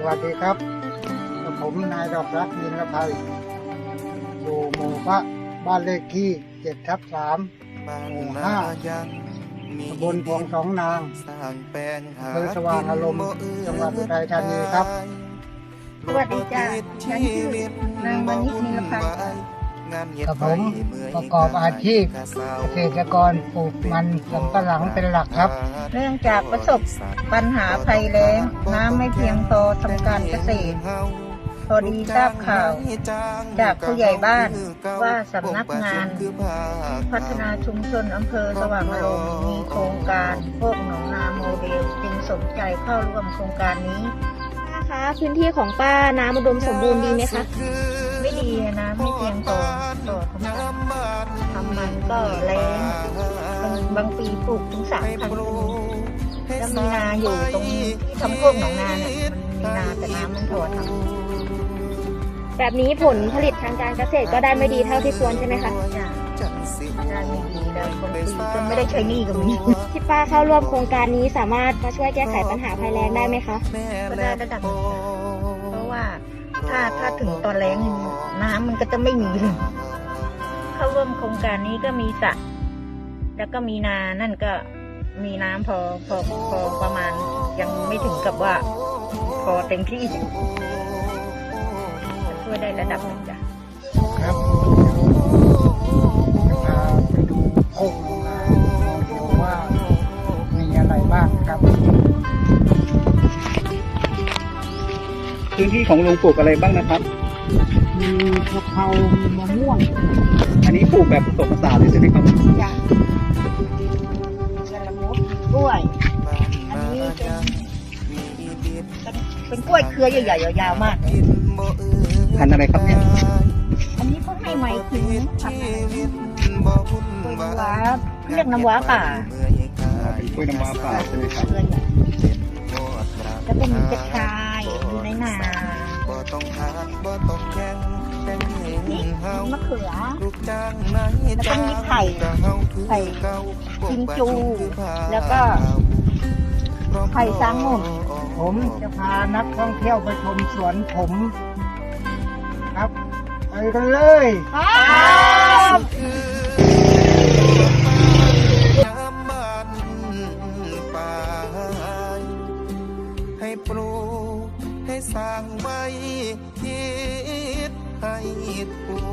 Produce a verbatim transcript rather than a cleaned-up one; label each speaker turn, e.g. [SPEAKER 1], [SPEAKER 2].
[SPEAKER 1] วัสดีครับผมนายดอกรักยินละภัยอยู่หมู่พระบ้านเลขที่เจ็ดทับสามหมู่ห้าตำบลพวงสองนางอำเภอสว่างอารมณ์จังหวัดอุทัยธานีครับ
[SPEAKER 2] สวัสดีจ้าฉันชื่อนางวณิชนิลภัย
[SPEAKER 1] กับผมประกอบอาชีพเกษตรกรปลูกมันสำปะหลังเป็นหลักครับ
[SPEAKER 2] เนื่องจากประสบปัญหาภัยแล้งน้ำไม่เพียงพอทำการเกษตรพอดีทราบข่าวจากผู้ใหญ่บ้านว่าสำนักงานพัฒนาชุมชนอำเภอสว่างอารมณ์มีโครงการพวกหนองนาโมเดลจึงสนใจเข้าร่วมโครงการนี้
[SPEAKER 3] นะคะพื้นที่ของป้าน้ำอุดมสมบูรณ์ดีไหมคะ
[SPEAKER 2] ไม่ดีนะไม่เพียงพอต่อทำทำมันก็แรงบางปีปลูกถึงสามครั้งแล้วมีนาอยู่ตรงที่ทำโคกหนองนาเนี่ยมันมีนาแต่น้ำมันพอท
[SPEAKER 3] ำแบบนี้ผลผลิตทางการเกษตรก็ได้ไม่ดีเท่าที่ควรใช่ไหมคะ
[SPEAKER 2] ได้ไม่ดีแล้วบางปีก็ไม่ได้ใช้หนี้ก็มี
[SPEAKER 3] ที่ป้าเข้าร่วมโครงการนี้สามารถมาช่วยแก้ไขปัญหาภัยแล้งได้ไหมคะ
[SPEAKER 2] ก็ได้ระดับหนึ่งเพราะว่าถ้าถ้าถึงตอนแล้งน้ำมันก็จะไม่มีเลยเข้าร่วมโครงการนี้ก็มีสระแล้วก็มีนานั่นก็มีน้ำพอพอพอประมาณยังไม่ถึงกับว่าพอเต็มที่ช่วยได้ระดับหนึ่งจ้ะ
[SPEAKER 1] ครับจะพาไปดูโคกหนองนาดูว่ามีอะไรบ้างครับ
[SPEAKER 4] พื้นที่ของลุงปลูกอะไรบ้างนะครับ
[SPEAKER 1] มีกะเพรามีมะม่วง
[SPEAKER 4] อันนี้ปลูกแบบผสมผสานเลยใช่ไหมครับ
[SPEAKER 2] จ้ะกระมุดกล้วยอันนี้เป็นเป็นเป็นกล้วยเครือใหญ่ๆยาวๆมาก
[SPEAKER 4] พันธุ์อะไรครับเนี่ย
[SPEAKER 2] อันนี้เขาให้ไม้ทิ้งผักกล้วยน้ำว้าเรียกน้ำว้าป่า
[SPEAKER 4] เป็นกล้วยน้ำว้าป่าใช่ไหมครับ
[SPEAKER 2] แล้วก็มีกระชายอยู่ในนานี่มะเขือแล้วก็มีไผ่ไผ่กิมจูแล้วก็ไผ่ซางงม
[SPEAKER 1] ผมจะพานักท่องเที่ยวไปชมสวนผมครับไปกันเลย
[SPEAKER 2] ครับ
[SPEAKER 5] ให้ปลูกให้สร้างไว้คิดให้ทั่